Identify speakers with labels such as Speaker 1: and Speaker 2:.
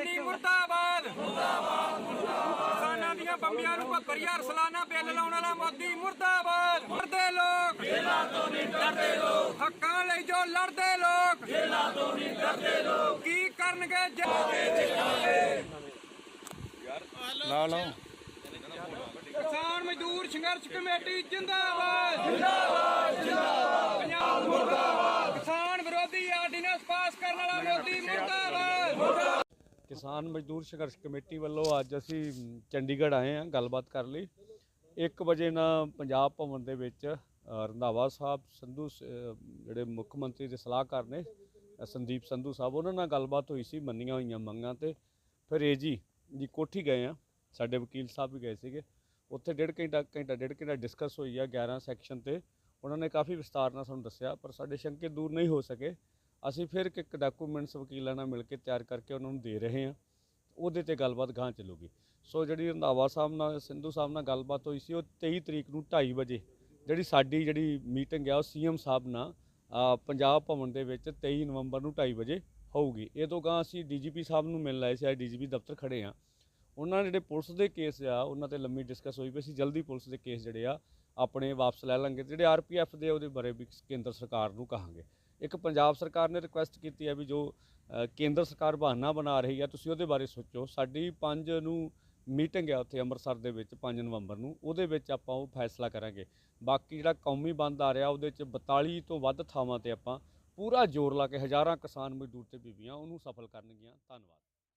Speaker 1: ਚੰਨੀ ਮੁਰਦਾਬਾਦ ਕਿਸਾਨਾਂ ਦੀਆਂ ਬੰਬੀਆਂ ਨੂੰ 72,000 ਸਾਲਾਨਾ ਬਿੱਲ ਲਾਉਣ ਵਾਲਾ ਮੋਦੀ ਮੁਰਦਾਬਾਦ। ਡਰਦੇ ਲੋਕ ਜੇਲ੍ਹਾਂ ਤੋਂ ਨਹੀਂ ਡਰਦੇ ਲੋਕ, ਹੱਕਾਂ ਲਈ ਜੋ ਲੜਦੇ ਲੋਕ ਜੇਲ੍ਹਾਂ ਤੋਂ ਨਹੀਂ ਡਰਦੇ ਲੋਕ, ਕੀ ਕਰਨਗੇ
Speaker 2: ਲਾ
Speaker 1: ਕਿਸਾਨ ਮਜ਼ਦੂਰ ਸੰਘਰਸ਼ ਕਮੇਟੀ ਜਿੰਦਾਬਾਦ ਜਿੰਦਾਬਾਦ ਜਿੰਦਾਬਾਦ। ਪੰਜਾਬ ਮੁਰਦਾਬਾਦ। ਕਿਸਾਨ ਵਿਰੋਧੀ ਆਰਡੀਨੈਂਸ ਪਾਸ ਕਰਨ ਵਾਲਾ ਮੋਦੀ ਮੁਰਦਾਬਾਦ।
Speaker 2: ਕਿਸਾਨ ਮਜ਼ਦੂਰ ਸੰਘਰਸ਼ ਕਮੇਟੀ ਵੱਲੋਂ ਅੱਜ ਅਸੀਂ ਚੰਡੀਗੜ੍ਹ ਆਏ ਹਾਂ ਗੱਲਬਾਤ ਕਰਨ ਲਈ। 1 ਵਜੇ ਨਾਲ ਪੰਜਾਬ ਭਵਨ ਦੇ ਵਿੱਚ ਰੰਧਾਵਾ ਸਾਹਿਬ ਸੰਧੂ ਜਿਹੜੇ ਮੁੱਖ ਮੰਤਰੀ ਦੇ ਸਲਾਹਕਾਰ ਨੇ ਸੰਦੀਪ ਸੰਧੂ ਸਾਹਿਬ, ਉਹਨਾਂ ਨਾਲ ਗੱਲਬਾਤ ਹੋਈ ਸੀ ਮੰਨੀਆਂ ਹੋਈਆਂ ਮੰਗਾਂ ਤੇ। ਫਿਰ ਏਜੀ ਦੀ ਕੋਠੀ ਗਏ ਆ, ਸਾਡੇ ਵਕੀਲ ਸਾਹਿਬ ਵੀ ਗਏ ਸੀਗੇ ਉੱਥੇ। ਡੇਢ ਘੰਟਾ ਡਿਸਕਸ ਹੋਈ ਆ 11 ਸੈਕਸ਼ਨ ਤੇ। ਉਹਨਾਂ ਨੇ ਕਾਫੀ ਵਿਸਤਾਰ ਨਾਲ ਸਾਨੂੰ ਦੱਸਿਆ, ਪਰ ਸਾਡੇ ਸ਼ੰਕੇ ਦੂਰ ਨਹੀਂ ਹੋ ਸਕੇ। ਅਸੀਂ ਫਿਰ ਇੱਕ ਡਾਕੂਮੈਂਟਸ ਵਕੀਲਾਂ ਨਾਲ ਮਿਲ ਕੇ ਤਿਆਰ ਕਰਕੇ ਉਹਨਾਂ ਨੂੰ ਦੇ ਰਹੇ ਹਾਂ, ਉਹਦੇ ਤੇ ਗੱਲਬਾਤ ਗਾਂਹ ਚੱਲੂਗੀ। ਸੋ ਜਿਹੜੀ ਰੰਧਾਵਾ ਸਾਹਿਬ ਨਾਲ ਸੰਧੂ ਸਾਹਿਬ ਨਾਲ ਗੱਲਬਾਤ ਹੋਈ ਸੀ, ਉਹ 23 ਤਰੀਕ ਨੂੰ 2:30 ਵਜੇ ਸਾਡੀ ਮੀਟਿੰਗ ਆ ਉਹ ਸੀਐਮ ਸਾਹਿਬ ਨਾਲ ਪੰਜਾਬ ਭਵਨ ਦੇ ਵਿੱਚ 23 ਨਵੰਬਰ ਨੂੰ 2:30 ਵਜੇ ਹੋਊਗੀ। ਇਹ ਤੋਂ ਗਾਂਹ ਅਸੀਂ ਡੀਜੀਪੀ ਸਾਹਿਬ ਨੂੰ ਮਿਲਣ ਆਏ ਸੀ, ਅੱਜ ਡੀਜੀਪੀ ਦਫ਼ਤਰ ਖੜੇ ਆ। ਉਹਨਾਂ ਜਿਹੜੇ ਪੁਲਿਸ ਦੇ ਕੇਸ ਆ ਉਹਨਾਂ ਤੇ ਲੰਮੀ ਡਿਸਕਸ ਹੋਈ ਵੀ ਅਸੀਂ ਜਲਦੀ ਪੁਲਿਸ ਦੇ ਕੇਸ ਜਿਹੜੇ ਆ ਆਪਣੇ ਵਾਪਸ ਲੈ ਲਾਂਗੇ। ਜਿਹੜੇ ਆਰਪੀਐਫ ਦੇ ਉਹਦੇ ਬਾਰੇ ਵੀ ਕੇਂਦਰ ਸਰਕਾਰ ਨੂੰ ਕਹਾਂਗੇ। ਇੱਕ ਪੰਜਾਬ ਸਰਕਾਰ ਨੇ ਰਿਕੁਐਸਟ ਕੀਤੀ ਹੈ ਵੀ ਜੋ ਕੇਂਦਰ ਸਰਕਾਰ ਬਹਾਨਾ ਬਣਾ ਰਹੀ ਆ, ਤੁਸੀਂ ਉਹਦੇ ਬਾਰੇ ਸੋਚੋ। ਸਾਡੀ 5 ਨੂੰ ਮੀਟਿੰਗ ਆ ਉੱਥੇ ਅੰਮ੍ਰਿਤਸਰ ਦੇ ਵਿੱਚ 5 ਨਵੰਬਰ ਨੂੰ, ਉਹਦੇ ਵਿੱਚ ਆਪਾਂ ਉਹ ਫੈਸਲਾ ਕਰਾਂਗੇ। ਬਾਕੀ ਜਿਹੜਾ ਕੌਮੀ ਬੰਦ ਆ ਰਿਹਾ ਉਹਦੇ 'ਚ 42 ਤੋਂ ਵੱਧ ਥਾਵਾਂ ਤੇ ਆਪਾਂ ਪੂਰਾ ਜ਼ੋਰ ਲਾ ਕੇ ਹਜ਼ਾਰਾਂ ਕਿਸਾਨ ਮਜ਼ਦੂਰ ਤੇ ਬੀਬੀਆਂ ਉਹਨੂੰ ਸਫਲ ਕਰਨਗੀਆਂ। ਧੰਨਵਾਦ।